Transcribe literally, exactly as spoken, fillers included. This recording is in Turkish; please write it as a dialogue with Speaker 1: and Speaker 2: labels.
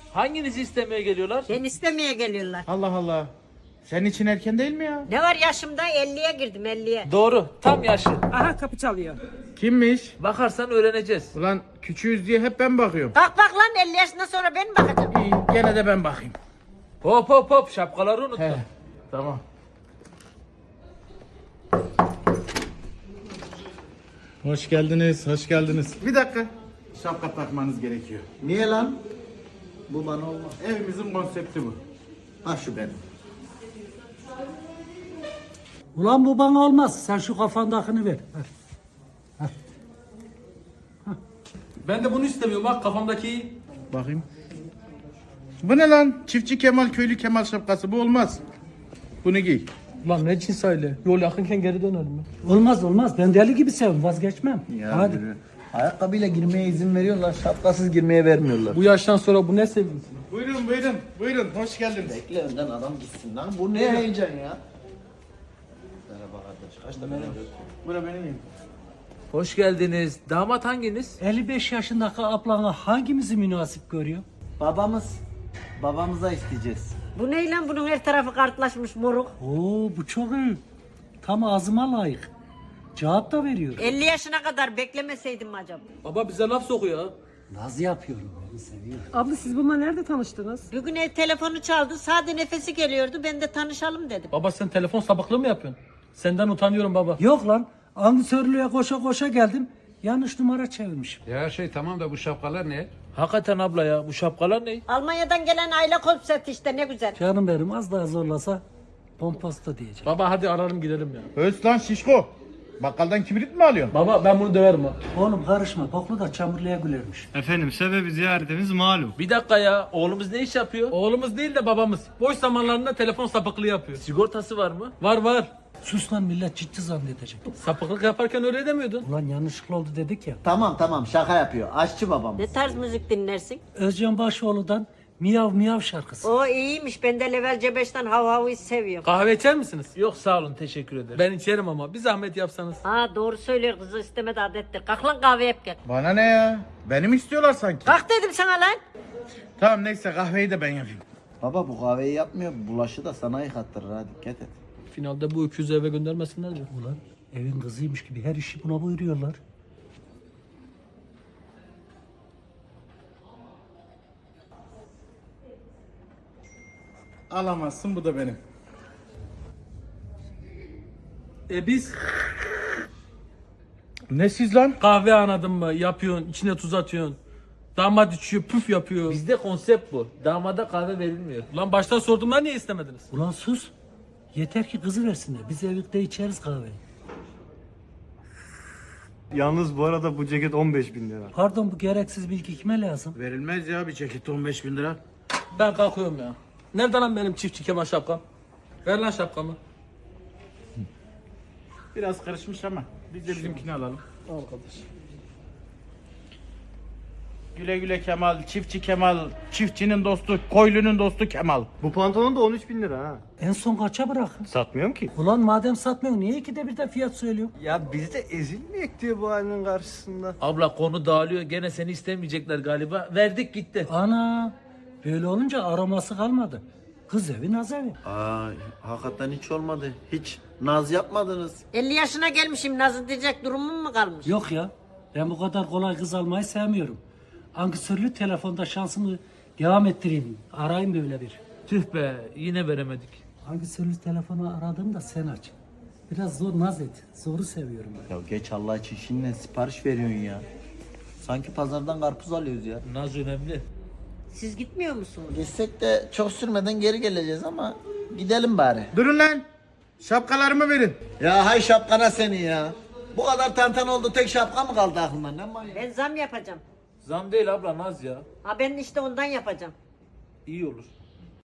Speaker 1: Hanginizi istemeye geliyorlar?
Speaker 2: Ben istemeye geliyorlar.
Speaker 3: Allah Allah. Senin için erken değil mi ya?
Speaker 2: Ne var yaşımda elliye girdim elliye.
Speaker 1: Doğru. Tam yaşı.
Speaker 4: Aha kapı çalıyor.
Speaker 3: Kimmiş?
Speaker 1: Bakarsan öğreneceğiz.
Speaker 3: Ulan küçüğüz diye hep ben bakıyorum.
Speaker 2: Bak bak lan elli yaşından sonra ben mi bakacağım?
Speaker 3: İyi, gene de ben bakayım.
Speaker 1: Hop hop hop şapkaları unutma.
Speaker 3: He. Tamam. Hoş geldiniz, hoş geldiniz. Bir dakika. Şapka takmanız gerekiyor.
Speaker 5: Niye lan? Bu bana olmaz.
Speaker 3: Evimizin konsepti bu.
Speaker 5: Ha şu benim.
Speaker 4: Ulan bu bana olmaz. Sen şu kafandakini ver. Ver.
Speaker 1: Ben de bunu istemiyorum bak kafamdaki.
Speaker 3: Bakayım. Bu ne lan? Çiftçi Kemal, köylü Kemal şapkası. Bu olmaz. Bunu giy.
Speaker 6: Lan ne cins aile? Yol yakınken geri dönelim mi?
Speaker 4: Olmaz olmaz. Ben deli gibi seviyorum. Vazgeçmem.
Speaker 5: Ya
Speaker 4: Hadi.
Speaker 5: yürü. Ayakkabıyla girmeye izin veriyorlar, şapkasız girmeye vermiyorlar.
Speaker 6: Bu yaştan sonra bu ne sevgisi?
Speaker 3: Buyurun, buyurun, buyurun. Hoş geldiniz.
Speaker 5: Bekle önden adam gitsin lan. Bu ne heyecan ya? Merhaba kardeş. Kaç tane
Speaker 3: Bura benim evim.
Speaker 1: Hoş geldiniz. Damat hanginiz?
Speaker 4: elli beş yaşındaki ablana hangimizi münasip görüyor?
Speaker 5: Babamız. Babamıza isteyeceğiz.
Speaker 2: Bu ne lan bunun her tarafı kartlaşmış moruk.
Speaker 4: Oo bu çok iyi. Tam ağzıma layık. Cevap da veriyor.
Speaker 2: elli yaşına kadar beklemeseydim mi acaba?
Speaker 6: Baba bize laf sokuyor ha.
Speaker 4: Naz yapıyorum. Beni seviyor.
Speaker 7: Abla siz bununla nerede tanıştınız?
Speaker 2: Bugün ev telefonu çaldı sade nefesi geliyordu ben de tanışalım dedim.
Speaker 6: Baba sen telefon sapıklığı mı yapıyorsun? Senden utanıyorum baba.
Speaker 4: Yok lan. Ankesörlüğe koşa koşa geldim. Yanlış numara çevirmişim.
Speaker 8: Ya her şey tamam da bu şapkalar ne?
Speaker 1: Hakikaten abla ya bu şapkalar ne?
Speaker 2: Almanya'dan gelen aile konsepti işte ne güzel.
Speaker 4: Canım benim az daha zorlasa pompasta diyeceğim.
Speaker 6: Baba hadi ararım gidelim ya.
Speaker 3: Öz lan şişko. Bakkaldan kibrit mi alıyorsun?
Speaker 6: Baba ben bunu döverim ha.
Speaker 4: Oğlum karışma. Boklu da çamurluya gülermiş.
Speaker 9: Efendim sebebi ziyaretimiz malum.
Speaker 1: Bir dakika ya oğlumuz ne iş yapıyor?
Speaker 6: Oğlumuz değil de babamız. Boş zamanlarında telefon sapıklığı yapıyor.
Speaker 1: Sigortası var mı?
Speaker 6: Var var.
Speaker 4: Sus lan millet ciddi zannedecek.
Speaker 6: Sapıklık yaparken öyle demiyordun.
Speaker 4: Ulan yanlışlıkla oldu dedik ya.
Speaker 5: Tamam tamam şaka yapıyor. Aşçı babamız.
Speaker 2: Ne tarz müzik dinlersin?
Speaker 4: Özcan Başoğlu'dan Miyav Miyav şarkısı.
Speaker 2: O iyiymiş ben de Level C beşten Hav Hav'ı seviyorum.
Speaker 6: Kahve içer misiniz?
Speaker 1: Yok sağ olun teşekkür ederim.
Speaker 6: Ben içerim ama bir zahmet yapsanız.
Speaker 2: Ha doğru söylüyor kızı istemedi adettir. Kalk lan kahve yap gel.
Speaker 3: Bana ne ya? Beni mi istiyorlar sanki?
Speaker 2: Kalk dedim sana lan.
Speaker 3: Tamam neyse kahveyi de ben yapayım.
Speaker 5: Baba bu kahveyi yapmıyor. Bulaşı da sana yıkattırır ha dikkat et.
Speaker 6: Finalde bu öküzü eve göndermesinler mi?
Speaker 4: Ulan evin kızıymış gibi her işi buna buyuruyorlar.
Speaker 3: Alamazsın bu da benim.
Speaker 6: E biz
Speaker 3: Ne siz lan?
Speaker 6: kahve anladın mı? Yapıyorsun, içine tuz atıyorsun. Damat içiyor, püf yapıyor.
Speaker 1: Bizde konsept bu. Damada kahve verilmiyor.
Speaker 6: Lan baştan sorduğumda niye istemediniz?
Speaker 4: Ulan sus. Yeter ki kızı versinler. Biz evlilikte içeriz kahveyi.
Speaker 9: Yalnız bu arada bu ceket on beş bin lira.
Speaker 4: Pardon bu gereksiz bilgi kime lazım?
Speaker 3: Verilmez ya bir ceket on beş bin lira.
Speaker 6: Ben kalkıyorum ya. Nerede lan benim çiftçi Kemal şapkam? Ver lan şapkamı.
Speaker 3: Biraz karışmış ama biz de bizimkini alalım.
Speaker 6: Al kardeş.
Speaker 3: Güle güle Kemal, çiftçi Kemal, çiftçinin dostu, koylunun dostu Kemal.
Speaker 9: Bu pantolon da on üç bin lira ha.
Speaker 4: En son kaça bırakın?
Speaker 9: Satmıyorum ki.
Speaker 4: Ulan madem satmıyorsun niye ikide bir de fiyat söylüyor?
Speaker 9: Ya biz de ezilmeyek diyor bu halinin karşısında.
Speaker 1: Abla konu dağılıyor gene seni istemeyecekler galiba. Verdik gitti.
Speaker 4: Ana böyle olunca araması kalmadı. Kız evi naz evi.
Speaker 5: Aa hakikaten hiç olmadı. Hiç naz yapmadınız.
Speaker 2: elli yaşına gelmişim nazı diyecek durumum mu kalmış?
Speaker 4: Yok ya ben bu kadar kolay kız almayı sevmiyorum. Ankesörlü telefonda şansımı devam ettireyim. Arayayım böyle bir.
Speaker 1: Tüh be yine veremedik.
Speaker 4: Ankesörlü telefonu aradığımda sen aç. Biraz zor naz et. Zoru seviyorum ben.
Speaker 5: Ya geç Allah için şimdi sipariş veriyorsun ya. Sanki pazardan karpuz alıyoruz ya.
Speaker 1: Naz önemli.
Speaker 2: Siz gitmiyor musunuz?
Speaker 5: Gitsek de çok sürmeden geri geleceğiz ama gidelim bari.
Speaker 3: Durun lan. Şapkalarımı verin.
Speaker 5: Ya hay şapkana seni ya. Bu kadar tantan oldu tek şapka mı kaldı aklından ne manyak?
Speaker 2: Ben zam yapacağım.
Speaker 1: Zam değil abla naz ya.
Speaker 2: Ha ben işte ondan yapacağım.
Speaker 1: İyi olur.